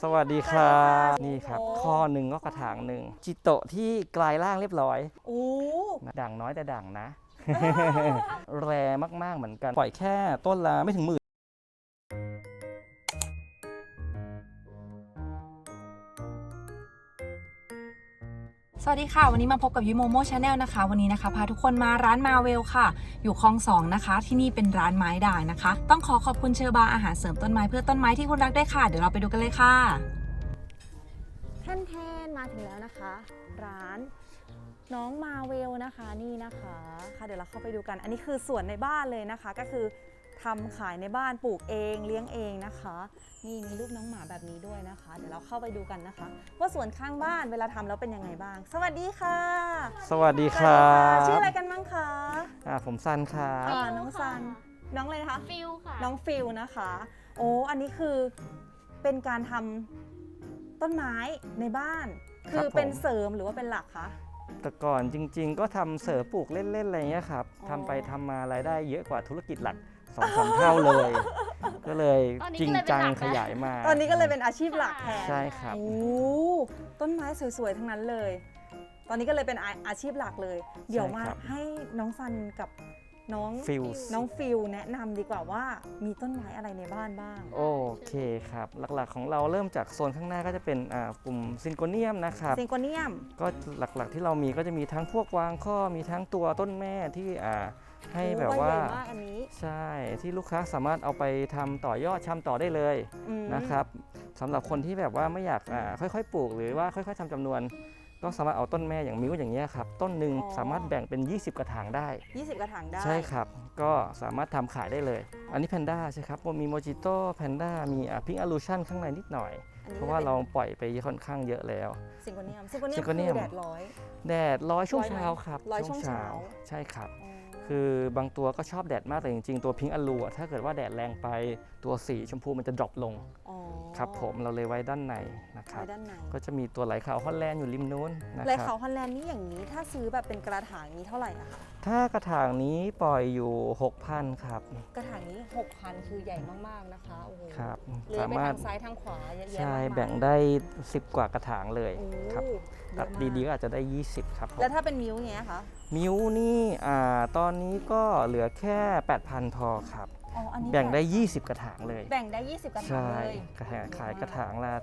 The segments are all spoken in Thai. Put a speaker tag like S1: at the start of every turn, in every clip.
S1: สวัสดีครับนี่ครับข้อหนึ่งก็กระถางหนึ่งจิโตะที่กลายร่างเรียบร้อย
S2: โอ้
S1: ด่างน้อยแต่ด่างนะ แรมากๆเหมือนกันปล่อยแค่ต้นละไม่ถึงหมื่น
S2: สวัสดีค่ะวันนี้มาพบกับยูโมโมชาแนลนะคะวันนี้นะคะพาทุกคนมาร้านมาเวลค่ะอยู่คลอง2นะคะที่นี่เป็นร้านไม้ด่างนะคะต้องขอบคุณเชอร์บาอาหารเสริมต้นไม้เพื่อต้นไม้ที่คุณรักได้ค่ะเดี๋ยวเราไปดูกันเลยค่ะแทนมาถึงแล้วนะคะ ร้านน้องมาเวลนะคะนี่นะคะค่ะเดี๋ยวเราเข้าไปดูกันอันนี้คือสวนในบ้านเลยนะคะก็คือทำขายในบ้านปลูกเองเลี้ยงเองนะคะนี่มีรูปน้องหมาแบบนี้ด้วยนะคะเดี๋ยวเราเข้าไปดูกันนะคะว่าสวนข้างบ้านเวลาทำแล้วเป็นยังไงบ้างสวัสดีค่ะ
S1: สวัสดีครับ
S2: ชื่ออะไรกันบ้างคะ
S1: ผมซันครับ
S2: น้องซันน้องอะไรนะคะ
S3: ฟิลค่ะ
S2: น้องฟิลนะคะโอ้อันนี้คือเป็นการทำต้นไม้ในบ้านคือเป็นเสริมหรือว่าเป็นหลักคะ
S1: แต่ก่อนจริงๆก็ทำเสริมปลูกเล่นๆอะไรเงี้ยครับทำไปทำมารายได้เยอะกว่าธุรกิจหลัก 2-3 เท่าเลย ก็เลยจริงจังขยายมา
S2: ตอนนี้ก็เลยเป็นอาชีพหลักแทน
S1: ใช่ครับ
S2: โอ้ต้นไม้สวยๆทั้งนั้นเลย ตอนนี้ก็เลยเป็นอาชีพหลักเลยเดี๋ยวมาให้น้องซันกับน้องฟิลแนะนำดีกว่าว่ามีต้นไม้อะไรในบ้านบ้าง
S1: โอเคครับหลักๆของเราเริ่มจากโซนข้างหน้าก็จะเป็นกลุ่มซิงโกเนียมนะครับ
S2: ซิงโกเนียม
S1: ก็หลักๆที่เรามีก็จะมีทั้งพวกวางข้อมีทั้งตัวต้นแม่ที่ให้แบบว่าใช่ที่ลูกค้าสามารถเอาไปทำต่อยอดชำต่อได้เลยนะครับสำหรับคนที่แบบว่าไม่อยากค่อยๆปลูกหรือว่าค่อยๆทำจำนวนก็สามารถเอาต้นแม่อย่างมิ้วอย่างเงี้ยครับต้นหนึ่งสามารถแบ่งเป็น20กระถางได้
S2: 20กระถางได้
S1: ใช่ครับก็สามารถทำขายได้เลยอันนี้แพนด้าใช่ครับมีโมจิโต้แพนด้ามีพิงค์อลูชั่นข้างในนิดหน่อยเพราะว่าเราปล่อยไปค่อนข้างเยอะแล้ว
S2: ซิงโกเนียมคือ
S1: แดดร้อยช่วงเช้าครับ
S2: ช่วงเช้า
S1: ใช่ครับคือบางตัวก็ชอบแดดมากแต่จริงๆตัวพิงค์อลูถ้าเกิดว่าแดดแรงไปตัวสีชมพูมันจะดรอปลงครับผมเราเลยไว้ด้านในนะครับก็จะมีตัวไหลขาวฮอลแลนด์อยู่ริมนู้นนะครับ
S2: ไหลขาวฮอลแลนด์นี่อย่างนี้ถ้าซื้อแบบเป็นกระถางนี้เท่าไหร่อะคะ
S1: ถ้ากระถางนี้ปล่อยอยู่ 6,000 ครับ
S2: กระถางนี้ 6,000 คือใหญ่มากๆนะคะโอ้โห
S1: ครับ
S2: สามารถทางซ้ายทางขวาเยอะแยะ
S1: ใช่แบ่งได้10กว่ากระถางเลยครับตัดดีๆก็อาจจะได้20ครับ
S2: แล้วถ้าเป็นมิ้วเงี้ยคะ
S1: มิ้วนี่ตอนนี้ก็เหลือแค่ 8,000 พอครับแบ่งได้20กระถางเลย
S2: แบ่งได้20กระถางเลย
S1: ขายกระถางละ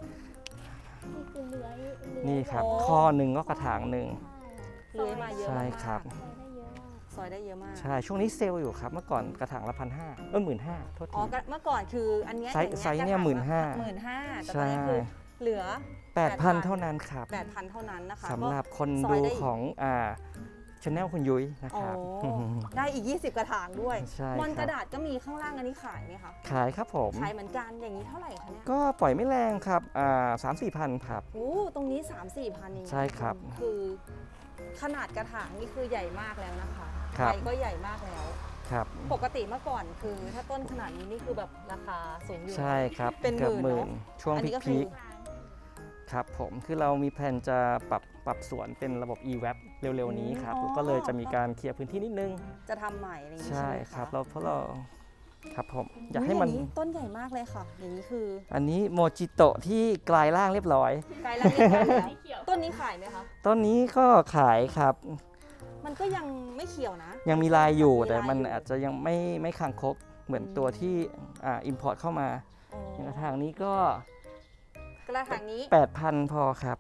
S3: นี่
S1: ครับข้อหนึ่งก็กระถางหนึ่ง
S2: เลื้อยมาเยอะ
S1: ใช่ครับ
S2: ซอยได้เยอะมาก
S1: ใช่ช่วงนี้เซลล์อยู่ครับเมื่อก่อนกระถางละ1,500 15,000โทษที
S2: เมื่อก่อนคืออันนี้
S1: ไซส์เนี่ย
S2: 15,000แต่ตอนนี้คือเหลือ
S1: 8,000 เท่านั้นครับ
S2: 8,000 เท่านั้นนะคะ
S1: สำหรับคนดูของชาแนลคุณยุ้ยนะครับ
S2: ได้อีก20กระถางด้วยมอนกระดาษก็มีข้างล่างอันนี้ขายไหมคะ
S1: ขายครับผม
S2: ขายเหมือนกันอย่างนี้เท่าไหร่คะเนี่ย
S1: ก็ปล่อยไม่แรงครับ3-4 พันครับ
S2: ตรงนี้ 3-4 พันเอง
S1: ใช่ครับ
S2: คือขนาดกระถางนี่คือใหญ่มากแล้วนะคะใบก็ใหญ่มากแล้ว
S1: ครับ
S2: ปกติเมื่อก่อนคือถ้าต้นขนาดนี้นี่คือแบบราคาสูงอยู่
S1: ใช่ครับ
S2: เป็นหมื่น
S1: ช่วงพีคครับผมคือเรามีแผนจะปรับสวนเป็นระบบ e-web เร็วๆนี้ครับก็เลยจะมีการเคลียร์พื้นที่นิดนึง
S2: จะทำใหม่อะไรอย่างนี้
S1: ใช่ครับเพราะเราครับผม
S2: อยากให้มันต้นใหญ่มากเลยค่ะอย่างนี้คือ
S1: อันนี้โมจิโตะที่กลายร่างเรียบร้อย
S2: กลายร่างเรียบร้อยแล้วต้นนี้ขายไหมคะ
S1: ต้นนี้ก็ขายครับ
S2: มันก็ยังไม่เขียวนะ
S1: ยังมีลายอยู่แต่มันอาจจะยังไม่คางคกเหมือนตัวที่อิมพอร์ตเข้ามาอย่างกระถางนี้ก็
S2: กระถางนี้
S1: 8,000 พอครับ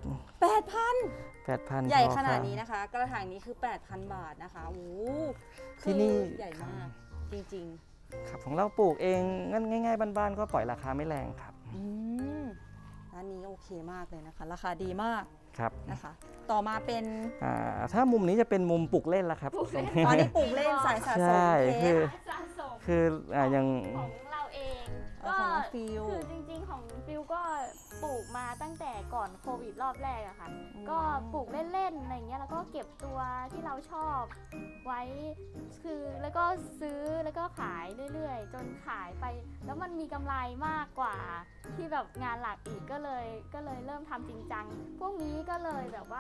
S1: 8,000
S2: ใหญ่ขนาดนี้นะคะกระถางนี้คือ 8,000 บาทนะคะโอ้
S1: ที่นี่
S2: ใหญ่มากจริง
S1: ๆครับของเราปลูกเองง่ายๆบ้านๆก็ปล่อยราคาไม่แรงครับ
S2: ร้านนี้โอเคมากเลยนะคะราคาดีมาก
S1: ครับ
S2: นะคะต่อมาเป็น
S1: ถ้ามุมนี้จะเป็นมุมปลูกเล่นละครับ
S2: ตอนนี้ปลูกเล่นสายสะสม
S1: คืออย่าง
S3: ของเราเองก็คือจริงๆของฟิลก็ปลูกมาตั้งแต่ก่อนโควิดรอบแรกอะค่ะก็ปลูกเล่นๆอะไรเงี้ยแล้วก็เก็บตัวที่เราชอบไว้คือแล้วก็ซื้อแล้วก็ขายเรื่อยๆจนขายไปแล้วมันมีกำไรมากกว่าที่แบบงานหลักอีกก็เลยเริ่มทำจริงจังพวกนี้ก็เลยแบบว่า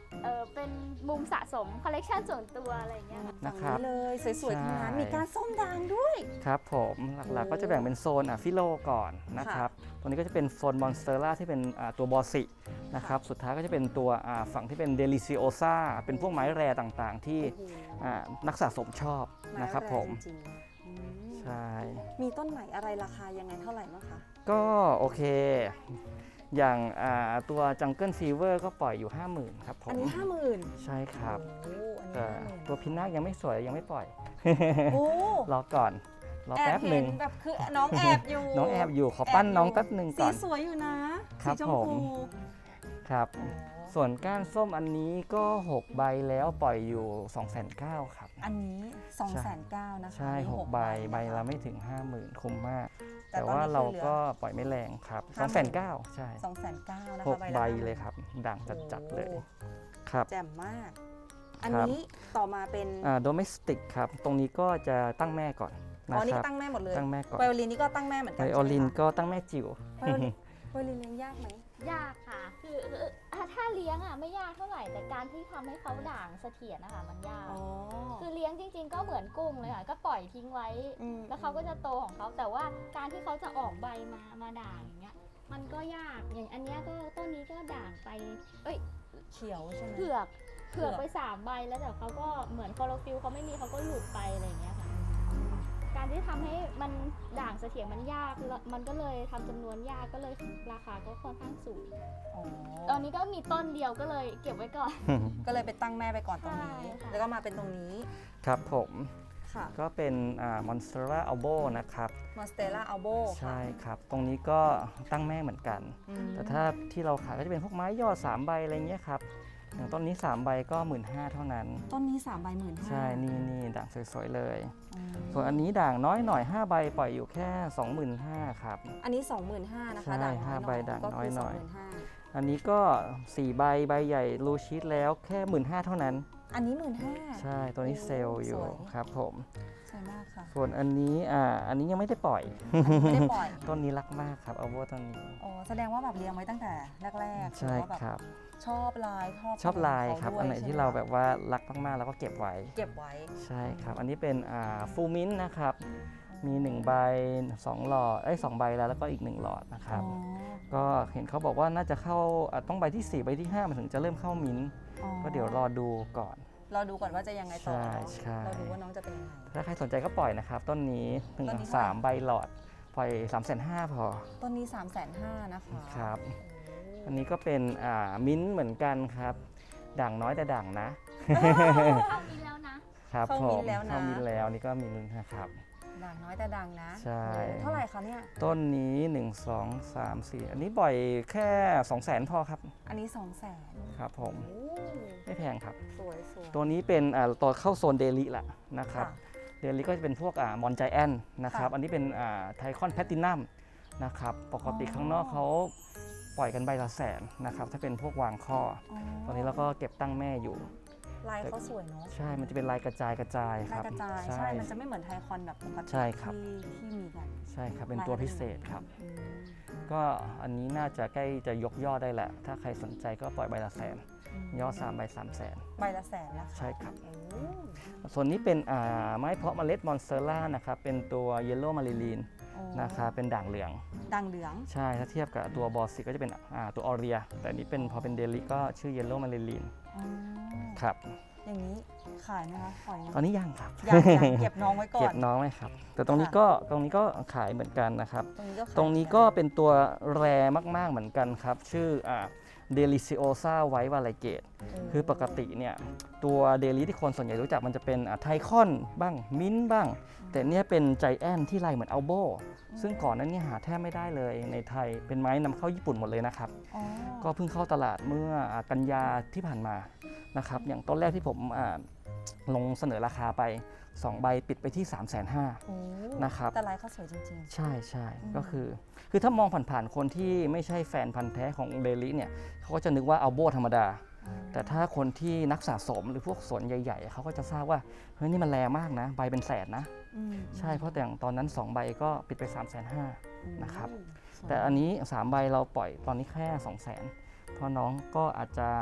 S3: เป็นมุมสะสมคอลเลกชันส่วนตัวอะไรอย่างเงี้ยค่ะ
S1: นะครับ
S2: เลยสวยๆทั้งนั้น
S1: ใช่
S2: มีการส้มด่างด้วย
S1: ครับผมหลักๆก็จะแบ่งเป็นโซนฟิโลก่อนนะครับตรงนี้ก็จะเป็นโซนมอนสเตอร่าที่เป็นตัวบอสินะครับสุดท้ายก็จะเป็นตัวฝั่งที่เป็นเดลิซิโอซาเป็นพวกไม้แรต่างๆ ที่นักสะสมชอบนะครับผม
S2: จริงๆอืม
S1: ใช่
S2: มีต้นไหนอะไรราคายังไงเท่าไหร่บ้างคะ
S1: ก็โอเค อย่างตัวจังเกิลฟีเวอร์ก็ปล่อยอยู่ 50,000ครับผม
S2: อันนี้ 50,000
S1: ใช่ครับ
S2: โอ้อันนี้
S1: แต่
S2: 50,000
S1: ตัวพินาคยังไม่สวยยังไม่ปล่อย
S2: โอ้
S1: รอก่อนรอแป๊บหนึ่ง
S2: แอบเห็แบบคือน้องแอบอยู่
S1: น้องแอบอยู่ขอปั้นน้องแป๊บหนึ่ง
S2: สี
S1: ก่อน
S2: สวยอยู่นะ
S1: ครั
S2: สี
S1: บ
S2: ชม
S1: ผม
S2: พู
S1: ครับ
S2: อ๋อ
S1: ส่วนก้านส้มอันนี้ก็ 6 ใบแล้วปล่อยอยู่ 2,900 ครับ
S2: อันนี้ 2,900,000นะคะ
S1: ใช่
S2: มี
S1: 6 ใบ
S2: นะคะ
S1: ใบละไม่ถึง 50,000 คุ้มมาก
S2: แต่
S1: แต่
S2: ตอนนี้
S1: ว่าเรา
S2: คือเหลือ
S1: ก็ปล่อยไม่แรงครับ
S2: 50,000
S1: 2,900 ใช่
S2: 2,900,000นะคะ
S1: 6
S2: ละ
S1: ใบ
S2: 50,000
S1: เลยครับ ด่างจัดๆเลย
S2: โอ้
S1: ครับ
S2: แจ่มมาก อัน
S1: ครับ
S2: นี้ต่อมาเป็น
S1: โดเมสติกครับ ตรงนี้ก็จะตั้งแม่ก่อน
S2: อ๋
S1: นะ
S2: อนี่
S1: ครั
S2: ก็
S1: บ
S2: ตั้งแม่หมดเลย
S1: ตั้งแม่ก่อน
S2: ไวโอลินนี่ก็ตั้งแม่เหมือนกั
S1: ไว
S2: น
S1: โอลิน
S2: ใช่ไหมคะ
S1: ก็ตั้งแม่จิ๋ว
S2: ไวโอลินไวโอลินเลี้ยงยากไหม
S3: ยากค่ะ คือถ้าเลี้ยงไม่ยากเท่าไหร่ แต่การที่ทำให้เขาด่างเสถียรนะคะมันยาก
S2: อ๋อ
S3: คือเลี้ยงจริง ๆ ก็เหมือนกุ้งเลยค่ะ ก็ปล่อยทิ้งไว้
S2: ม
S3: แล้วเขาก็จะโตของเขา แต่ว่าการที่เขาจะออกใบมาด่างอย่างเงี้ย มันก็ยาก อย่างอันเนี้ยก็ต้นนี้ก็ด่างไป
S2: เขียวใช่ไหม
S3: เผือกไป3 ใบแล้วแต่เขาก็เหมือนคลอโรฟิลเขาไม่มีเขาก็หลุดไปอะไรอย่างเงี้ยค่ะ การที่ทำให้มันด่างเสถียรมันยากแล้วมันก็เลยทำจำนวนยากก็เลยราคาก็ค่อนข้างสูง
S2: อ๋อ
S3: ตอนนี้ก็มีต้นเดียวก็เลยเก็บไว้ก่อน
S2: ก็เลยไปตั้งแม่ไปก่อนตรงนี้
S3: ใช่ค่ะ
S2: แล้วก็มาเป็นตรงนี้
S1: ครับผม
S2: ค่ะ
S1: ก็เป็นมอนสเตอร่าอัลโบนะครับ
S2: มอนสเตล่าอัลโบ
S1: ใช่ครับ ตรงนี้ก็ตั้งแม่เหมือนกัน แต่ถ้าที่เราขายก็จะเป็นพวกไม้ยอด3 ใบอะไรเงี้ยครับ อย่างต้นนี้ 3 ใบก็ 15,000 เท่านั้น
S2: ต้นนี้3 ใบ 15,000
S1: ใช่ นี่ด่างสวยๆเลย
S2: อืม
S1: ส่วนอันนี้ด่างน้อยหน่อย 5 ใบปล่อยอยู่แค่ 25,000 ครับ
S2: อันนี้ 25,000นะคะ
S1: ใช่
S2: ด่างน้อย
S1: 5 ใบด่าง
S2: ก็
S1: น้อย
S2: คือ
S1: หน่อย
S2: 25,000
S1: อันนี้ก็ 4 ใบใบใหญ่รูชีตแล้วแค่ 15,000 เท่านั้น
S2: อันนี้ 15,000
S1: ใช่ ตัวนี้
S2: โอ้
S1: เซลล์อยู่
S2: สวย
S1: ครับผม
S2: สวยมากค่ะ
S1: ส่วนอันนี้อันนี้ยังไม่ได้ปล่อย
S2: ไม่ได้ปล่อย
S1: ต้นนี้รักมากครับเอาโวต้นนี้
S2: อ๋อแสดงว่าแบบเลี้ยงไว้ตั้งแต่แรกๆ
S1: ใช่
S2: หอว่าแบบ
S1: ครับ
S2: ชอบลาย
S1: ชอบลายครับ
S2: ขง
S1: อันไหน
S2: ด้วย
S1: ที่
S2: ใช่
S1: เรา
S2: มคะ
S1: แบบว่ารักมากๆเราก็เก็บไว้
S2: เก็บไว้
S1: ใช่ครับ อันนี้เป็นฟูมินนะครับ มี 1 ใบ 2 หลอด 2 ใบแล้วก็อีก 1 หลอดนะครับ
S2: อ๋อ
S1: ก็เห็นเขาบอกว่าน่าจะเข้าต้องใบที่ 4 ใบที่ 5 มันถึงจะเริ่มเข้ามิ้นท์
S2: อ๋อ
S1: ก็เดี๋ยวรอดูก่อน
S2: รอดูก่อนว่าจะยังไงต่อ
S1: ใช่
S2: เนอะ
S1: ใช่
S2: เราดูว่าน้องจะเป็นยังไง
S1: ถ้าใครสนใจก็ปล่อยนะครับ ต้นนี้1
S2: ต้นนี้
S1: 3 ใบหลอด ปล่อย 3,500,000 พอ
S2: ต้นนี้ 350,000นะคะ
S1: ครับ
S2: โ
S1: อันนี้ก็เป็นมิ้นท์เหมือนกันครับ ด่างน้อยแต่ด่างนะ
S3: เข้ามินแล้วนะ
S1: ครับ
S2: เข้า
S1: ผ
S2: มิ้
S1: ม
S2: นท์แล้วนะ
S1: เข้ามิ้นท์แล้วนี่ก็มิ้นท์นะครับ
S2: ด่างน้อยแต่ดังนะ
S1: ใช่
S2: เท่าไหร่คะเนี่ย
S1: ต้นนี้ 1 2 3 4 อันนี้ปล่อยแค่ 200,000 พอครับ
S2: อันนี้ 200,000
S1: ครับผม
S2: โอ้
S1: ไม่แพงครับ
S2: สวยสวย
S1: ตัวนี้เป็นตัวเข้าโซนเดลิละนะครับ
S2: ค่ะ
S1: เดลิก็จะเป็นพวกมอนไจแอนนะครับ
S2: ค่ะ
S1: อันนี้เป็นไทคอนแพตตินัมนะครับ ปกติ
S2: อ๋อ
S1: ข้างนอกเขาปล่อยกันใบละ100,000นะครับ ถ้าเป็นพวกวางข้อ
S2: อ๋อ
S1: ตอนนี้เราก็เก็บตั้งแม่อยู่
S2: ลายเขาสวยเนาะ
S1: ใช่ มันจะเป็นลายกระจายค
S2: ลาย
S1: รับ
S2: กระจายใช่ มันจะไม่เหมือนไทคอนแบบปกติ
S1: ใช่ครับ
S2: ที่มีกัน
S1: ใช่ครับ เป็นตัวพิเศษครับ
S2: อืม
S1: ก็อันนี้น่าจะใกล้จะยกยอดได้แหละ ถ้าใครสนใจก็ปล่อยใบละ100,000 ยอด3ใบ300,000
S2: ใบละ100,000นะคะ
S1: ใช่ครับ
S2: โอ้
S1: ส่วนนี้เป็นไม้เพาะเมล็ดมอนสเตอร่านะครับ เป็นตัวเยลโล่มาริลีน
S2: โอ้
S1: นะครับเป็นด่างเหลือง
S2: ดังเหลือง
S1: ใช่ ถ้าเทียบกับตัวบอสซิก็จะเป็นตัวออเรีย แต่อันนี้เป็นพอเป็นเดลิก็ชื่อเยลโล่มาริลีน
S2: อ๋อ
S1: ครับ
S2: อย่างนี้ขายไหมคะปล่อยไหม
S1: ตอนนี้ยังครับ
S2: ยังเก็บน้องไว้ก่อ
S1: เก็
S2: น
S1: บน้องไว้ครับ แต่ตรงนี้
S2: ค่ะ
S1: ก็ขายเหมือนกันนะครับ
S2: ตรงนี้ก็ขาย
S1: ตรงนี้ก็เป็นตัวแรมากๆเหมือนกันครับ ชื่อเดลิซิโอซาไวท์วาไลเกต
S2: โ
S1: คือปกติเนี่ยตัวเดลิที่คนส่วนใหญ่รู้จักมันจะเป็นไทคอนบ้างมิ้นท์บ้าง แต่เนี่ยเป็นไจแอนที่ลายเหมือนอัลโบซึ่งก่อนนั้นเนี่ยหาแทบไม่ได้เลยในไทยเป็นไม้นำเข้าญี่ปุ่นหมดเลยนะครับ
S2: อ๋อ
S1: ก็เพิ่งเข้าตลาดเมื่อกันยาที่ผ่านมานะครับอย่างต้นแรกที่ผมลงเสนอราคาไป 2 ใบปิดไปที่ 350,000
S2: โอ้
S1: นะครับ
S2: แต่ลายเขาสวยจริง
S1: ใช่ใช่
S2: อืม
S1: ก็คือถ้ามองผ่านๆคนที่ไม่ใช่แฟนพันธ์แท้ของเดลิเนี่ยเขาก็จะนึกว่าอัลโบธรรมดา
S2: ๆ
S1: แต่ถ้าคนที่นักสะสมหรือพวกสวนใหญ่ๆเขาก็จะทราบว่าเฮ้ยนี่มันแรงมากนะใบเป็นแสนนะ
S2: อืม
S1: ใช่เพราะแต่อย่างตอนนั้น 2 ใบก็ปิดไป 350,000 นะครับ
S2: สวย
S1: แต่อันนี้ 3 ใบเราปล่อยตอนนี้แค่ 200,000 เพราะน้องก็อาจจะ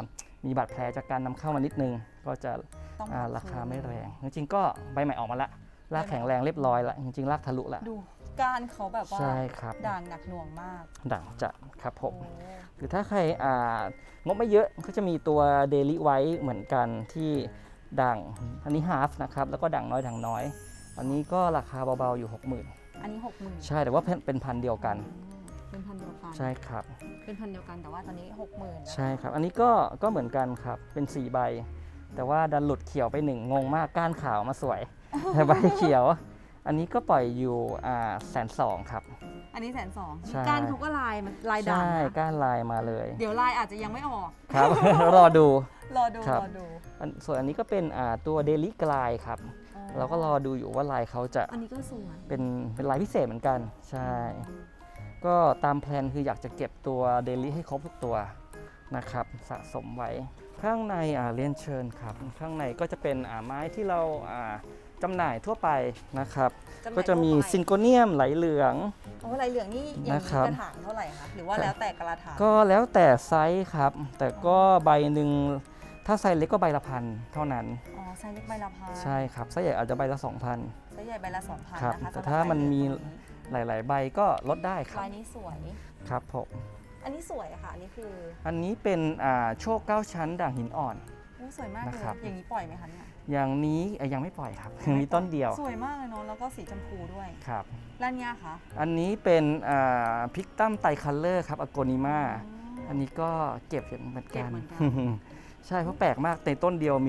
S1: มีบาดแผลจากการนำเข้ามานิดนึงก็จะ
S2: ต้อง
S1: ราคาไม่แรง จริงๆก็ใบใหม่ออกมาละรากแข็งแรงเรียบร้อยละจริงๆรากทะลุละ
S2: ดูก้านเขาแบบว่า
S1: ใช่ครับ
S2: ด่างหนักหน่วงมาก
S1: ด่างจัดครับผม
S2: โอ้
S1: หรือถ้าใครงบไม่เยอะก็จะมีตัวเดลิไว้เหมือนกันที่ด่างอันนี้ฮาฟนะครับแล้วก็ด่างน้อยด่างน้อย อันนี้ก็ราคาเบาๆอยู่ 60,000
S2: อันนี้ 60,000
S1: ใช่แต่ว่าเป็นพันธุ์เดียวกัน
S2: เป็นพันธุ์เดียวกัน
S1: ใช่ครับ
S2: เป็นพันธุ์เดียวกันแต่ว่าตอนนี้ 60,000
S1: ใช่ครับอันนี้ก็เหมือนกันครับเป็น4ใบแต่ว่าดันหลุดเขียวไป1งงมากก้านขาวมาสวย แต่ใบเขียว อันนี้ก็ปล่อยอยู่120,000ครับ
S2: อันนี้120,000
S1: ใช่
S2: ก้านเขาก็ลายมันลายด่าง
S1: ใช่
S2: นะ
S1: ก้านลายมาเลย
S2: เดี๋ยวลายอาจจะยังไม่ออก
S1: ครับ รอดู
S2: รอดู
S1: ครับ
S2: รอดู
S1: ส่วนอันนี้ก็เป็นตัวเดลิกลายครับ
S2: อ๋อ
S1: เราก็รอดูอยู่ว่าลายเขาจะ
S2: อันนี้ก็สวย
S1: เป็นลายพิเศษเหมือนกันใช่ ก็ตามแพลนคืออยากจะเก็บตัวเดลิให้ครบทุกตัวนะครับสะสมไว้ข้างในเรียนเชิญครับข้างในก็จะเป็นไม้ที่เราจำหน่ายทั่วไปนะครับ ก็จะมีซิงโกเนียมไหลเหลือง
S2: โอ้ลายเหลืองนี่อย่าง
S1: นะ
S2: นี้
S1: ครับ
S2: กระถางเท่าไหร่คะหรือว่าแล้วแต่กระถาง
S1: ก็แล้วแต่ไซส์ครับ แต่ก็ใบหนึ่งถ้าไซส์เล็กก็ใบละพันเท่านั้น
S2: อ๋อไซส์เล็กใบละพัน
S1: ใช่ครับไซส์ใหญ่อาจจะใบละ 2,000
S2: ไซส์ใหญ่ใบละ 2,000
S1: ครับ
S2: นะคะ
S1: แต่
S2: สำหรับ
S1: ถ้ามันมี
S2: ลายเหลืองนี้
S1: หลาย ๆ ใบก็ลดได้ครับ
S2: ลายนี้สวย
S1: ครับผม
S2: อันนี้สวยอะค่ะ อันนี้คือ
S1: อันนี้เป็นโชค9ชั้นด่างหินอ่อน
S2: โอ้สวยมากเลย
S1: นะครับ
S2: อย่างนี้ปล่อยไหมคะเนี่ย
S1: อย่างนี้ยังไม่ปล่อยครับ ยังมีต้นเดียว
S2: สวยมากเลยเนาะแล้วก็สีชมพูด้วย
S1: ครับ
S2: ร้านเนี้ยคะ
S1: อันนี้เป็นพิกตัมไตคัลเลอร์ครับอโกนิมาอันนี้ก็เก็บเหมือน
S2: เก็
S1: กับ น
S2: เหมือนกัน
S1: ใช่เพราะแปลกมากในต้นเดียวมี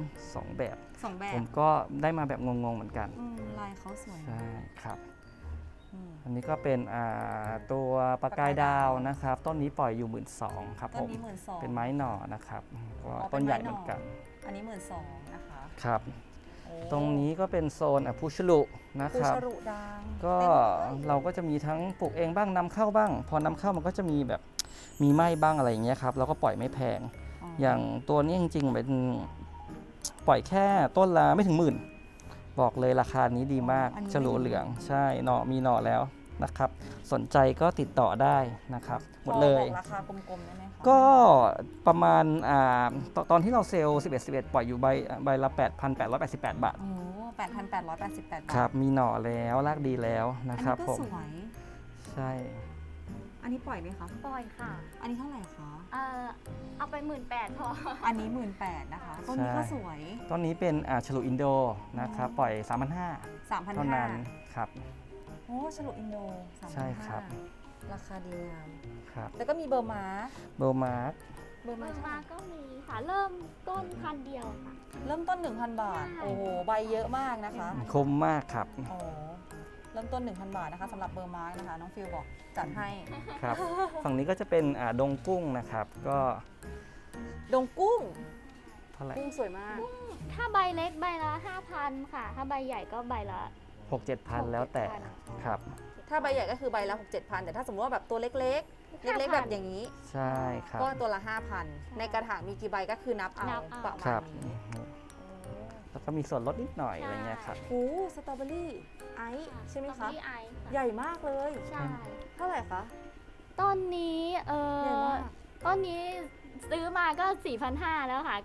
S1: 2แบบ
S2: สองแบ
S1: ผ
S2: บ
S1: มก็ได้มาแบบงงๆเหมือนกัน
S2: ลายเขาสวย
S1: ใช่ครับ
S2: อืม
S1: อันนี้ก็เป็นตัวปากกายดาวนะครับ ต้นนี้ปล่อยอยู่ 12,000ครับ
S2: ต้
S1: ผ
S2: น
S1: ม
S2: นี้12,000
S1: เป็นไม้หน่อนะครับก็
S2: อ๋อเป็น
S1: ต้นใหญ่
S2: ไม้หน่อ
S1: เหมือนกัน
S2: อันนี้12,000นะคะ
S1: ครับ
S2: โอ้
S1: ตรงนี้ก็เป็นโซนพุชลุนะ
S2: ปู
S1: ครับ
S2: ชรุดัง
S1: ก็
S2: เต็มเลย
S1: เราก็จะมีทั้งปลูกเองบ้างนำเข้าบ้าง พอนำเข้ามันก็จะมีแบบมีไหม้บ้างอะไรอย่างเงี้ยครับเราก็ปล่อยไม่แพง อย่างตัวนี้จริงๆเป็นปล่อยแค่ต้นละไม่ถึง10,000บอกเลยราคานี้ดีมาก
S2: อันนี้
S1: ฉลูเหลืองใช่หน่อมีหน่อแล้วนะครับ สนใจก็ติดต่อได้นะครับหมดเลย
S2: พอบอกราคากลมๆได้ไหมคะ
S1: ก็ประมาณตอนที่เราเซลล์11ปล่อยอยู่ใบละ 8,888 บาท
S2: โอ้8,888 บาท
S1: ครับมีหน่อแล้วรากดีแล้วนะครับ
S2: อัน
S1: ผ
S2: นี้
S1: ม
S2: ก็สวย
S1: ใช่
S2: อันนี้ปล่อยไหมคะ
S3: ปล่อยค่ะ
S2: อันนี้เท่าไหร่คะ
S3: เอาไป18,000พอ
S2: อันนี้ 18,000นะคะต้นนี้ก็สวย
S1: ต้นนี้เป็นฉลูอินโดนะครับปล่อย 3,500 เท่านั้น
S2: 3,500
S1: ครับ
S2: โอ้ฉลุอินโด 3,500
S1: ใช่ครับ
S2: ราคาดีงาม
S1: ครับ
S2: แล้วก็มีเบอร์ม้า
S1: เบอร์มาร์ก
S2: เบอร์
S3: เบ
S2: ม้า
S3: อร์มาก็มีค่ะ เริ่มต้น1,000 เดียวค่ะ
S2: เริ่มต้น 1,000 บาท
S3: ใช่
S2: โอ้โห ใบเยอะมากนะคะ
S1: คมมากครับ
S2: โอ้เริ่มต้น 1,000 บาทนะคะสำหรับเบอร์ม้านะคะ น้องฟิลบอกจัดให้
S1: ครับ ฝั่งนี้ก็จะเป็นดงกุ้งนะครับ ก็
S2: ดงกุ้ง
S1: เท่าไหร่
S2: กุ้งสวยมาก
S3: ถ้าใบเล็กใบละ 5,000 ค่ะ ถ้าใบใหญ่ก็ใบละ
S1: 6-7 พันแล้วแต่ครับ
S2: ถ้าใบใหญ่ก็คือใบละ 6-7,000 แต่ถ้าสมมติว่าแบบตัวเล็กๆ เล็กๆ แบบอย่างนี้
S1: ใช่ครับ
S2: ก็ตัวละ 5,000 ในกระถางมีกี่ใบก็คือนับเอาประ
S1: ค
S2: มา
S1: รั
S2: ณ
S1: บ
S2: นี้
S1: แล้วก็มีส่วนลดนิดหน่อยอะไรเงี้ยครับ
S2: โอ้สตรอเบอรี่ไอซ์ใช่ไหมคะ
S3: ที่ไอซ์ค่ะ
S2: ใหญ่มากเลย
S3: ใช่
S2: เท่าไหร่คะ
S3: ต้นนี้
S2: ใหญ่มาก
S3: ต้นนี้ซื้อมาก็ 4,500 แล้วค่ะ ก็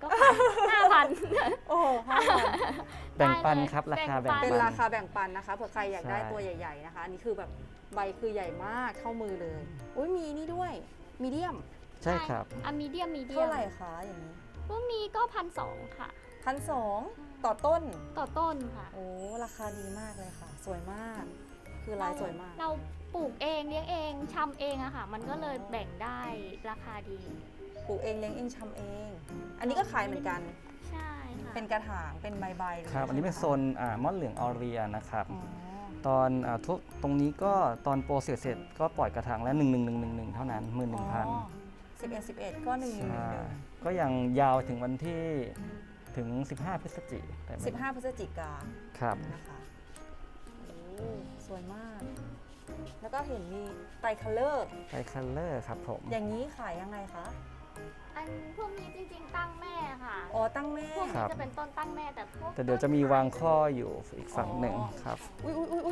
S3: 5,000
S2: โอ้ห้า
S1: แบ่งปันครับราคาแบ่ง
S2: เป็น
S1: ปัน
S2: ราคาแบ่งปันนะคะเผื่อใครอยากได้
S1: ใช่
S2: ตัวใหญ่ ๆนะคะ อันนี้คือแบบใบคือใหญ่มากเท่ามือเลยอุ้ยมีนี่ด้วยมีเดียม
S1: ใช่ครับ
S3: อะมีเดียมมีเดีย
S2: เท่าม ไหร่คะอย่างนี้
S3: พวกนี้ก็ 1,200 ค่ะ
S2: 1,200ต่อต้น
S3: ต่อต้นค่ะ
S2: โอ้ราคาดีมากเลยค่ะ สวยมาก คือลายสวยมาก
S3: เราปลูกเองเลี้ยงเองชำเองอะค่ะ มันก็เลยแบ่งได้ราคาดี
S2: ปลูกเองเลี้ยงเองชำเอง อันนี้ก็ขายเหมือนกัน
S3: ใช่ค่ะ
S2: เป็นกระถางเป็นใบๆเลย
S1: ครับ อันนี้เป็นโซนมอนเหลืองออเรียนะครับ
S2: อ๋อ
S1: ตอนทุกตรงนี้ก็ตอนโปรเสร็จก็ปล่อยกระถางแล้ว11,111เท่านั้น
S2: 11ก็1
S1: 11,000ใช่ก็ยังยาวถึงวันที่ถึง 15 พฤศจิกายนแต่ไม่
S2: 15 พฤศจิกา
S1: ครับ
S2: นะคะโอ้สวยมาก แล้วก็เห็นมีไตรคัลเลอร์
S1: ไทคัลเลอร์ครับผม
S2: อย่างนี้ขายยังไงคะ
S3: อันพวกนี้จริงๆตั้งแม่ค่ะ
S2: อ๋อ ตั้งแม่
S3: พวกนี้จะเป็นต้นตั้งแม่แต่พวก
S1: แต่เดี๋ยวจะมีวางข้ออยู่อีกฝั่งหนึ่งครับ
S2: อุ้ยอุ้ยอุ้ยอุ้ย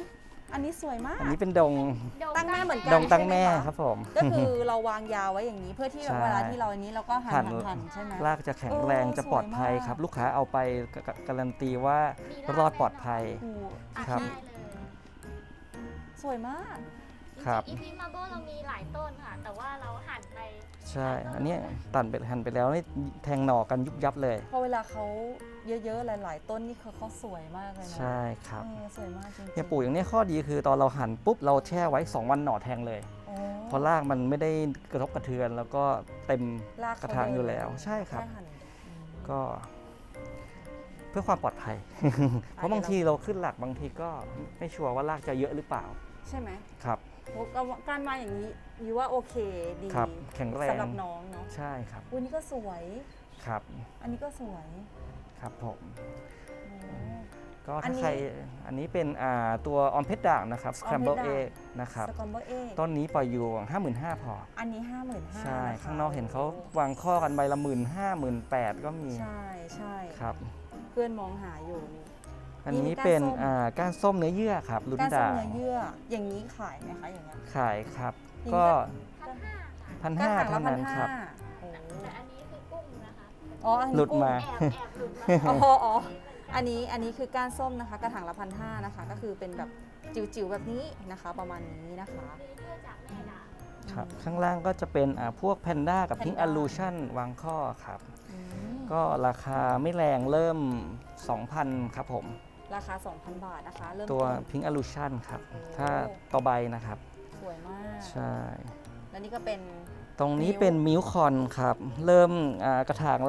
S2: อันนี้สวยมาก
S1: อันนี้เป็นดง
S2: ตั้งแม่เหมือนกั
S1: ดงตั้งแม่
S2: ใช่ไห
S1: ครับผม
S2: ก็คือเราวางยาวไว้อย่างนี้เพื่อที่แบบ
S1: ใช่
S2: เวลาที่เราอันนี้เราก็หั่นใช่ไหม
S1: รากจะแข็งแรง
S2: เออ
S1: จะปลอดภัย
S2: สวยมาก
S1: ครับ ลูกค้าเอาไปการันตีว่ารอดปลอดภัย
S2: โอ้โห
S1: ครับ
S3: ได้เลย
S2: สวยมาก
S1: ครับ
S3: อีพีมาโบเรามีหลายต้นค่ะ แต่ว่าเราหั่นไป
S1: ใช่ อันเนี้ยตัดไปหั่นไปแล้วนี่แทงหน่อกันยุบยับเลย
S2: พอเวลาเขาเยอะๆหลายๆต้นนี่เขาสวยมากเลยนะ
S1: ใช่ครับ
S2: สวยมากจริงๆ
S1: เนี่ยปลูกอย่างนี้ข้อดีคือตอนเราหั่นปุ๊บเราแช่ไว้ 2 วันหน่อแทงเลย
S2: โอ้
S1: เพราะรากมันไม่ได้กระทบกระเทือน แล้วก็เต็ม
S2: ราก
S1: กระถางอยู่แล้วใช่ครับ
S2: แหั่น
S1: ก็เพื่อความปลอดภัย เพราะบางทีเราขึ้นหลักบางทีก็ไม่ชัวร์ว่ารากจะเยอะหรือเปล่า
S2: ใช่ไหม
S1: ครับ
S2: โอ้การมาอย่างนี้ยูว่าโอเคดี
S1: ครับแข็งแรง
S2: สำหรับน้องเนาะ
S1: ใช่ครับ
S2: อุ้ยนี่ก็สวย
S1: ครับ
S2: อันนี้ก็สวย
S1: ครับผม
S2: โอ้
S1: ก็
S2: อัน
S1: ถ้า
S2: นี้
S1: ใครอันนี้เป็นตัวออมเพชรด่างนะครับ scramble
S2: Scramble
S1: egg นะครับ
S2: สกอมเบอร์เอ
S1: ต้นนี้ปล่อยอยู่ 55,000 พอ
S2: อันนี้ 55,000
S1: ใช่
S2: นะคะ
S1: ข้างนอกเห็นเขาวางข้อกันใบละ 15,000 18,000 ก็มี
S2: ใช่ใช่
S1: ครับ
S2: เพื่อนมองหาอยู่นี่
S1: อันนี้
S2: มีก้าน
S1: เป็น
S2: ส้ม
S1: ก้านส้มเนื้อเยื่อครับลุ้น
S2: การส้ม
S1: ด่าง
S2: เนื้อเยื่ออย่างนี้ขายไหมคะอย่างเงี้ย
S1: ขายครับ
S2: อย่างนี้
S1: ก็
S3: 1,500ค่ะ
S1: 1,500 เท่านั้นครับ
S2: โอ้
S3: แต่อันนี้คือกุ้งนะคะ
S2: อ๋ออันนี้
S1: หลุดมา
S3: แอบหลุดมา
S2: อ๋ออันนี้คือก้านส้มนะคะ กระถางละ1,500นะคะ ก็คือเป็นแบบจิ๋วๆแบบนี้นะคะ ประมาณนี้นะคะ
S3: เนื้อจากแม่ดา
S1: ครับข้างล่างก็จะเป็นพวกแพนด้ากับพิง
S2: Panda
S1: อ l ลูชันวางข้อครับ
S2: อืม
S1: ก็ราคาไม่แรงเริ่ม 2,000 ครับผม
S2: ราคา 2,000 บาทนะคะ เริ่ม
S1: ตัว
S2: ต้น
S1: พิง อ l ลูชันครับ
S2: โอ้
S1: ถ้าต่อใบนะครับ
S2: สวยมาก
S1: ใช่
S2: แล้วนี่ก็เป็น
S1: ตรงนี้เป็นมิลคอนครับ เริ่มกระถางละ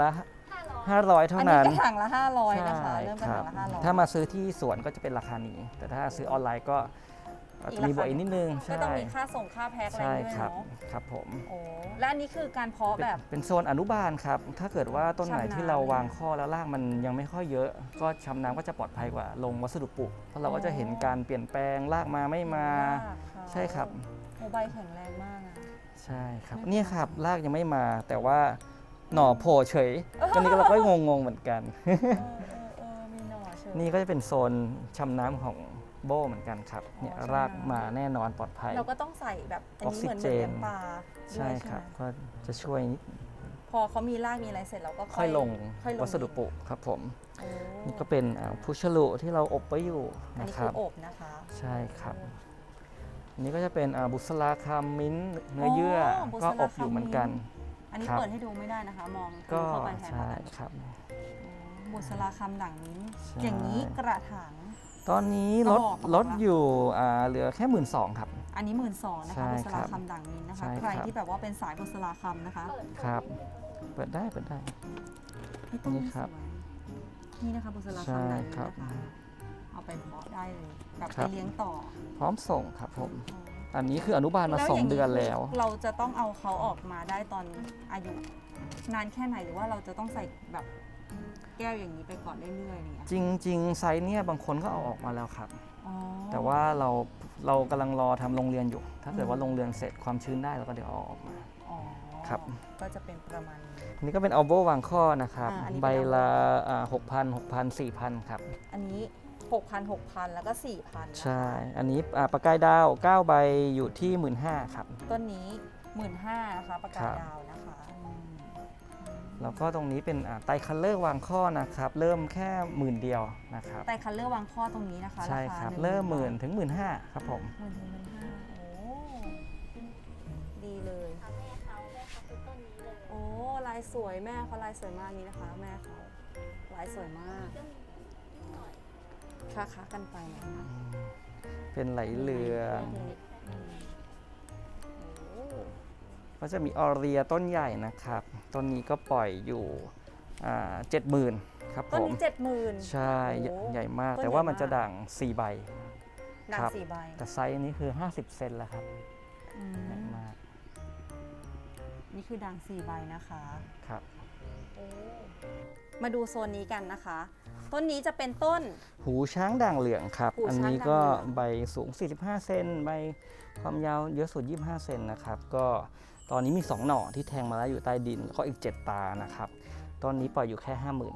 S1: 500 เท่า
S2: อันนี้
S1: นั้น
S2: กระถางละ500นะคะ
S1: ใช่
S2: เริ่มกระ
S1: ครั
S2: ถา
S1: บ
S2: งละ500
S1: ถ้ามาซื้อที่สวนก็จะเป็นราคานี้ แต่ถ้าซื้อออนไลน์ก็จะมีบวกอีกนิดนึง
S2: ก็
S1: ใช่
S2: ต้องมีค่าส่งค่าแพ็คอะไร
S1: ใช่
S2: ด้วย
S1: ครับ
S2: เนาะ
S1: ครับผม
S2: โอ้และอันนี้คือการเพาะแบบ
S1: เป็นโซนอนุบาลครับ ถ้าเกิดว่าต้นไหน
S2: ชำน้ำ
S1: ที่เราวางข้อแล้วรากมันยังไม่ค่อยเยอะ ก็ชำน้ำก็จะปลอดภัยกว่าลงวัสดุปลูก เพราะเราก็จะเห็นการเปลี่ยนแปลงรากมาไม่มา
S2: รากเขา
S1: ใช่ครับ
S2: โอ้ใบแข็งแรงมากอะ
S1: ใช่ครับ
S2: ไม่
S1: เนี่ยครับรากยังไม่มา แต่ว่าหน่อโผล่เฉยตอนนี้เราก็งงๆเหมือนกัน
S2: มีหน่อเชิญ
S1: นี่ก็จะเป็นโซนชำน้ำของโบเหมือนกันครับ เนี่ย
S2: ชำน้ำ
S1: รากมาแน่นอนปลอดภัย
S2: เราก็ต้องใส่แบบอันนี้เหมือน
S1: ออกซิเจ
S2: เลี้ย
S1: น
S2: งปลาด้
S1: ใช่
S2: วย
S1: ครับ
S2: ไหม
S1: ก็จะช่วยนิด
S2: พอเขามีรากมีอะไรเสร็จเราก็
S1: ค่อยลง
S2: ค่อยลง
S1: วัสดุปลูกครับผม
S2: โอ้
S1: นี่ก็เป็นพุชลุที่เราอบไว้อยู่
S2: อัน
S1: นะ
S2: นี้
S1: ค
S2: คื
S1: รั
S2: อบ อบนะคะ
S1: ใช่ครับ อันนี้ก็จะเป็นบุษราคำมิ้นท์เนื้อเยื่อก็อบอยู่เหมือนกัน
S2: อันนี้
S1: ครับ
S2: เปิดให้ดูไม่ได้นะคะ มอง
S1: ก็
S2: เข้าไปแทน
S1: ใช่
S2: แล้วกัน
S1: ครับ
S2: บุษราคำด่างนี้
S1: ใช่
S2: อย่างนี้กระถาง
S1: ตอนนี้ลด
S2: กระบอก
S1: ลดอยู่เหลือแค่ 12,000 ครับ
S2: อันนี้12,000นะ
S1: ใช่
S2: คะบุษ
S1: ครั
S2: รา
S1: บ
S2: คำด่างนี้นะคะ
S1: ใช่
S2: ใคร
S1: ครับ
S2: ที่แบบว่าเป็นสายบุษราคำนะคะ
S1: ครับ เปิดได้เปิดได้
S2: นี่ต้น
S1: นี่
S2: นี้
S1: ครับ
S2: สวยนี่นะคะบุษรา
S1: ใช่
S2: คำด่างนี้
S1: ครับ
S2: นะคะเอาไปเพาะได้เลยแบบ
S1: ครั
S2: ไป
S1: บ
S2: เลี้ยงต่อ
S1: พร้อมส่งครับผม อันนี้คืออนุบาลมา
S2: แล้วย่าง
S1: 2 เดือนแล้ว
S2: เราจะต้องเอาเขาออกมาได้ตอนอายุนานแค่ไหนหรือว่าเราจะต้องใส่แบบแก้วอย่างนี้ไปก่อนเรื่อยๆอย่างเงี้ย
S1: จริง ๆ ไซส์เนี่ยบางคนก็เอาออกมาแล้วครับ
S2: อ๋อ
S1: แต่ว่าเรากำลังรอทำโรงเรียนอยู่ ถ้าเกิดว่าโรงเรียนเสร็จความชื้นได้เราก็เดี๋ยวเอาออกมา
S2: อ๋อ
S1: ครับ
S2: ก็จะเป็นประมาณนี้
S1: อันนี้ก็เป็นอัลโบวางข้อนะครับ
S2: อันนี้เป็น
S1: ใบละ6,000 4,000 ครับ
S2: อันนี้ 6,000 แล้วก็ 4,000นะคะ
S1: ใช่ อันนี้ประกายดาว 9 ใบอยู่ที่ 15,000 ครับ
S2: ต้นนี้ 15,000นะคะประกา
S1: ครั
S2: ศ
S1: บ
S2: ดาวนะคะ
S1: แล้วก็ตรงนี้เป็นไตรคัลเลอร์วางข้อนะครับ เริ่มแค่10,000 เดียวนะครับ
S2: แต่คัลเลอร์วางข้อตรงนี้นะคะ
S1: ใช่
S2: าา
S1: ครับ
S2: 10,000
S1: เริ่ม10,000 ถึง 15,000 ครับผม
S2: 10,000 โอ้ดีเลย
S3: แม่เขาคือต้นนี้เลย
S2: โอ้ลายสวยแม่เขาลายสวยมากนี้นะคะ แม่เขาลายสวยมากค้ากันไปนะคะ
S1: เป็นไหลเหลือง
S2: โอ้
S1: ก็จะมีออเรียต้นใหญ่นะครับ ต้นนี้ก็ปล่อยอยู่70,000 ครับ
S2: ต้น
S1: ผม
S2: นี้70,000
S1: ใช่
S2: โอ้
S1: ใหญ่มาก
S2: ต้น
S1: แต่ว่า
S2: ใหญ่
S1: มันจะ
S2: มาก
S1: ด่าง4 ใบ
S2: ด่าง
S1: ครับ
S2: 4 ใบ
S1: แต่ไซส์นี้คือ 50 เซนแล้วครับ
S2: อืม
S1: ใหญ่มาก
S2: นี่คือด่าง4 ใบนะคะ
S1: ครับ
S2: มาดูโซนนี้กันนะคะ ต้นนี้จะเป็นต้น
S1: หูช้างด่างเหลืองครับ
S2: หูช้าง
S1: อันนี้ก็
S2: ด่างเหลือง
S1: ใบสูง 45 เซนใบความยาวเยอะสุด 25 เซนนะครับ ก็ตอนนี้มี 2 หน่อที่แทงมาแล้วอยู่ใต้ดิน แล้วก็อีก 7 ตานะครับ ตอนนี้ปล่อยอยู่แค่ 50,000 ครับ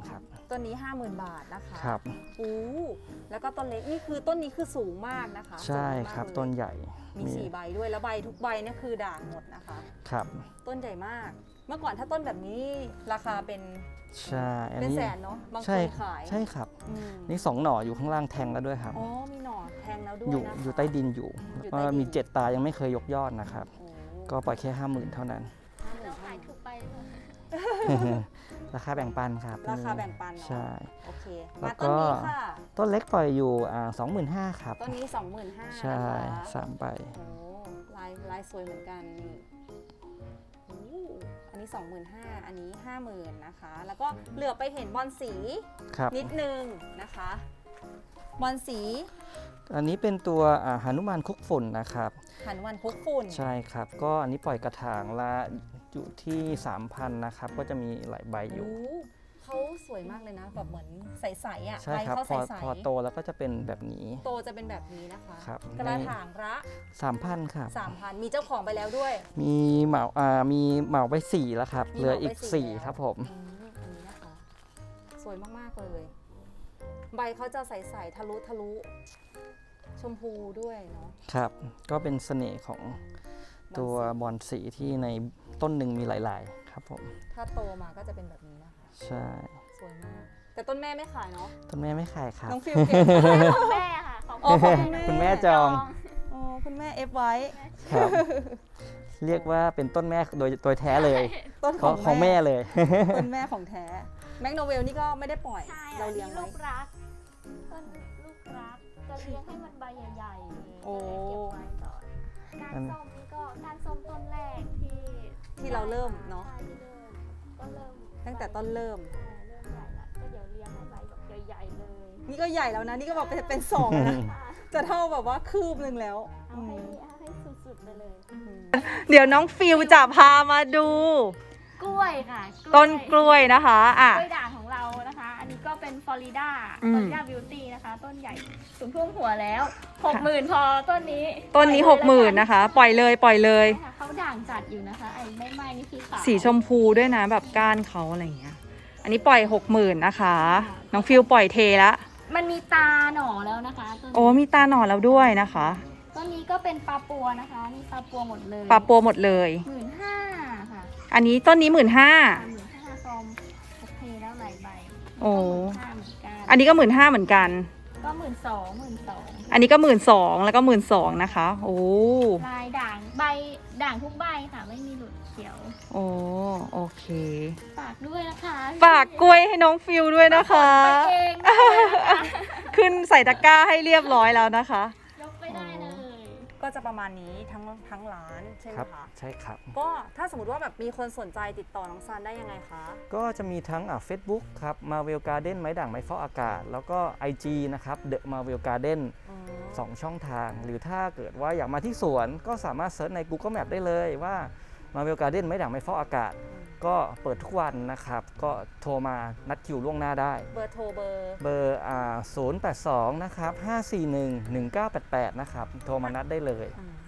S2: ต้นนี้ 50,000 บาทนะคะ
S1: ครับ
S2: แล้วก็ต้นเล็กนี่คือต้นนี้คือสูงมากนะคะ
S1: ใช่ครับ
S2: สูงมากเลย
S1: ต้นใหญ่
S2: มี4 ใบด้วยแล้วใบทุกใบเนี่ยคือด่างหมดนะคะ
S1: ครับ
S2: ต้นใหญ่มาก เมื่อก่อนถ้าต้นแบบนี้ราคาเป็น
S1: ใช่อัน
S2: เป็น
S1: นี้
S2: แสนเนาะบางค
S1: ใช่
S2: นขาย
S1: ใช่ครับ
S2: อืม
S1: นี่2 หน่ออยู่ข้างล่างแทงแล้วด้วยครับ
S2: อ๋อมีหน่อแทงแล้วด้วย
S1: อยู่
S2: นะคะ
S1: อยู่ใต้ดินอยู่
S2: อยู่ใต้ดิน
S1: มี7 ตายังไม่เคยยกยอดนะครับ
S2: โอ้
S1: ก็ปล่อยแค่ 50,000 เท่านั้น
S3: เราขายถูกไปเลย
S1: ราคาแบ่งปันครับ
S2: ราคาแบ่งปันเนาะ
S1: ใช่
S2: โอเค
S1: แล้
S2: มาว
S1: ก็
S2: ต้นนี้ค่ะ
S1: ต้นเล็กปล่อยอยู่25,000ครับ
S2: ต้นนี้ 25,000
S1: ใช่
S2: นะคะ
S1: 3 ใบ
S2: โอ้ลายสวยเหมือนกันนี่โอ้อันนี้ 25,000 อันนี้ 50,000 นะคะ แล้วก็เหลือไปเห็นบอลสี
S1: ครับ
S2: นิดนึงนะคะบอลสี
S1: อันนี้เป็นตัวหนุมานคุกฝุ่นนะครับ
S2: หันวันคุกฝุ่น
S1: ใช่ครับ ก็อันนี้ปล่อยกระถางละอยู่ที่ 3,000 นะครับ ก็จะมีหลายใบอยู่
S2: โอ้เขาสวยมากเลยนะแบบเหมือนใสๆอ่ะ
S1: ใช่
S2: ใบ
S1: ครับ
S2: เขา
S1: พอ
S2: ใส
S1: พอโตแล้วก็จะเป็นแบบนี้
S2: ๆโตจะเป็นแบบนี้นะคะ
S1: ครับ
S2: กระถางละ
S1: 3,000 ครับ
S2: 3,000 มีเจ้าของไปแล้วด้วย
S1: มีมีเหมาไป4แล้วครับ
S2: มี
S1: เหลืออีก
S2: เหมาไป4
S1: 4 ครับผม
S2: อันนี้นะคะ สวยมากๆเลย ใบเขาจะใสๆทะลุชมพูด้วยเนาะ
S1: ครับ ก็เป็นเสน่ห์ของตัวบอนสีที่ในต้นหนึ่งมีหลาย ๆ ครับผม
S2: ถ้าโตมาก็จะเป็นแบบนี้นะคะ
S1: ใช่
S2: สวยมาก แต่ต้นแม่ไม่ขายเนาะ
S1: ต้นแม่ไม่ขายครับ
S2: น้องฟิวเก็บ
S3: ของแม่ค่ะ ของ
S2: อ๋อของแม่
S1: คุณแม่จอง
S2: อ๋อคุณแม่เอฟไว้
S1: ครับ เรียกว่าเป็นต้นแม่โดยแท้เลย
S2: ต้น
S1: ของแม่เลย
S2: ต้นแม่ของแท้ แมกโนเวลนี่ก็ไม่ได้ปล่อย
S3: ใช่
S2: เรา
S3: อัน
S2: เลี้
S3: นี้
S2: ยง
S3: ลู
S2: ไว้
S3: กรักต้นลูกรัก จะเลี้ยงให้มันใบใหญ่ๆเลย
S2: โอ้
S3: ก็เลยเก็บไว้ก่อนการส้มนี่ก็การส้มต้นแรกที่
S2: เราเริ่มเนาะ
S3: ใช่ที่เริ่มก็เริ่ม
S2: ตั้งแต่ต้นเริ่ม
S3: เริ่มใหญ่ละก็เดี๋ยวเลี้ยงให้ใบแบบใหญ่ๆเลย
S2: นี่ก็ใหญ่แล้วนะ นี่ก็แบบเป็นสองแล้วนะ
S3: ค่ะ
S2: จะเท่าแบบว่าคืบหนึ่งแล้ว
S3: เอาให้สุดๆไปเลย
S2: เดี๋ยวน้องฟิวจะพามาดู
S3: กล้วยค่ะ
S2: ต้นกล้วยนะคะอ่ะ
S3: กล้วยด่างของเรานะคะ อันนี้ก็เป็นฟลอริดา
S2: อืม
S3: ฟลอริดาบิวตี้นะคะ ต้นใหญ่สูงท่วมหัวแล้ว 60,000 พอต้นนี้
S2: ต้นนี้
S3: ปล่อยเลย
S2: 60,000นะคะ ปล่อยเลยปล่อยเลย
S3: ใช่ค่ะเขาด่างจัดอยู่นะคะ ไอ้ไม่ไหม้นี่คือขาว
S2: สีชมพูด้วยนะแบบก้านเขาอะไรอย่างเงี้ย อันนี้ปล่อย 60,000นะคะ น้องฟิวปล่อยเทละ
S3: มันมีตาหน่อแล้วนะคะต้น
S2: โอ้มีตาหน่อแล้วด้วยนะคะ
S3: ต้นนี้ก็เป็นปลาปัวนะคะนี่ปลาปัวหมดเลย
S2: ปลาปัวหมดเลย
S3: 15,000 ค่ะ
S2: อันนี้ต้นนี้ 15,000
S3: 15,000ซอมโอเคแล้วหลายใบ
S2: โอ้
S3: 15,000เหมือนกัน
S2: อันนี้ก็ 15,000เหมือนกัน
S3: ก็12,000
S2: อันนี้ก็ 12,000แล้วก็ 12,000นะคะ โอ้
S3: ลายด่างใบด่างทุกใบค่ะไม่มีหลุดเขียว
S2: โอ้โอเค
S3: ฝากด้วยนะคะ
S2: ฝากกล้วยให้น้องฟิวด้วยนะคะ
S3: ไปเองได้เลยนะคะ
S2: ขึ้นใส่ตะกร้าให้เรียบร้อยแล้วนะคะ
S3: ยกไปได้เลย
S2: ก็จะประมาณนี้ทั้งร้านใช่ไหม
S1: ครับ
S2: คะ
S1: ใช่ครับ
S2: ก็ถ้าสมมติว่าแบบมีคนสนใจติดต่อน้องซันได้ยังไงคะ
S1: ก็จะมีทั้งFacebook ครับ Marvel Garden ไม้ด่างไม้ฟอกอากาศ แล้วก็ IG นะครับ The Marvel Garden 2 ช่องทาง หรือถ้าเกิดว่าอยากมาที่สวนก็สามารถเซิร์ชใน Google Map ได้เลยว่า Marvel Garden ไม้ด่างไม้ฟอกอากาศ ก็เปิดทุกวันนะครับ ก็โทรมานัดคิวล่วงหน้าได้
S2: เบอร์โทรเบอร์
S1: เบอร์082 นะครับ 541 1988 นะครับ โทรมานัดได้เลย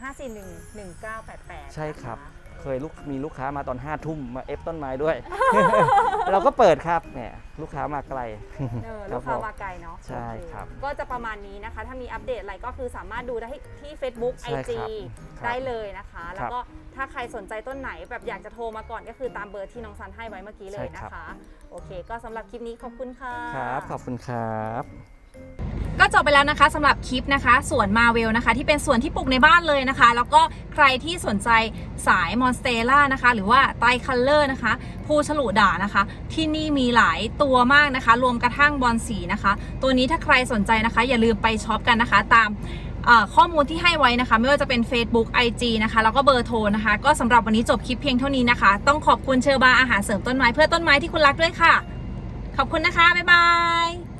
S2: 5411988
S1: ใช่ครับ เคยมีลูกค้ามาตอน5 ทุ่มมาเอฟต้นไม้ด้วย เราก็เปิดครับเนี่ยลูกค้ามาไกล
S2: ลูกค้ามาไกลเนาะ
S1: ใช่ครับ
S2: ก็จะประมาณนี้นะคะ ถ้ามีอัปเดตอะไรก็คือสามารถดูได้ที่ Facebook
S1: ใช่
S2: IG
S1: ครับ
S2: ได้เลยนะคะ แล้วก็ถ้าใครสนใจต้นไหนแบบอยากจะโทรมาก่อนก็คือตามเบอร์ที่น้องซันให้ไว้เมื่อกี้เลยนะคะ โอเค ก็สำหรับคลิปนี้ขอบคุณค่ะ
S1: ครับ ขอบคุณครับ
S2: ก็จบไปแล้วนะคะสำหรับคลิปนะคะสวนมาเวลนะคะที่เป็นสวนที่ปลูกในบ้านเลยนะคะ แล้วก็ใครที่สนใจสายมอนสเตล่านะคะหรือว่าไตรคัลเลอร์นะคะภูฉลุด่างนะคะ ที่นี่มีหลายตัวมากนะคะ รวมกระทั่งบอนสีนะคะ ตัวนี้ถ้าใครสนใจนะคะ อย่าลืมไปช็อปกันนะคะ ตามข้อมูลที่ให้ไว้นะคะ ไม่ว่าจะเป็น Facebook IG นะคะแล้วก็เบอร์โทรนะคะ ก็สำหรับวันนี้จบคลิปเพียงเท่านี้นะคะ ต้องขอบคุณเชอร์บาอาหารเสริมต้นไม้เพื่อต้นไม้ที่คุณรักด้วยค่ะ ขอบคุณนะคะบ๊ายบาย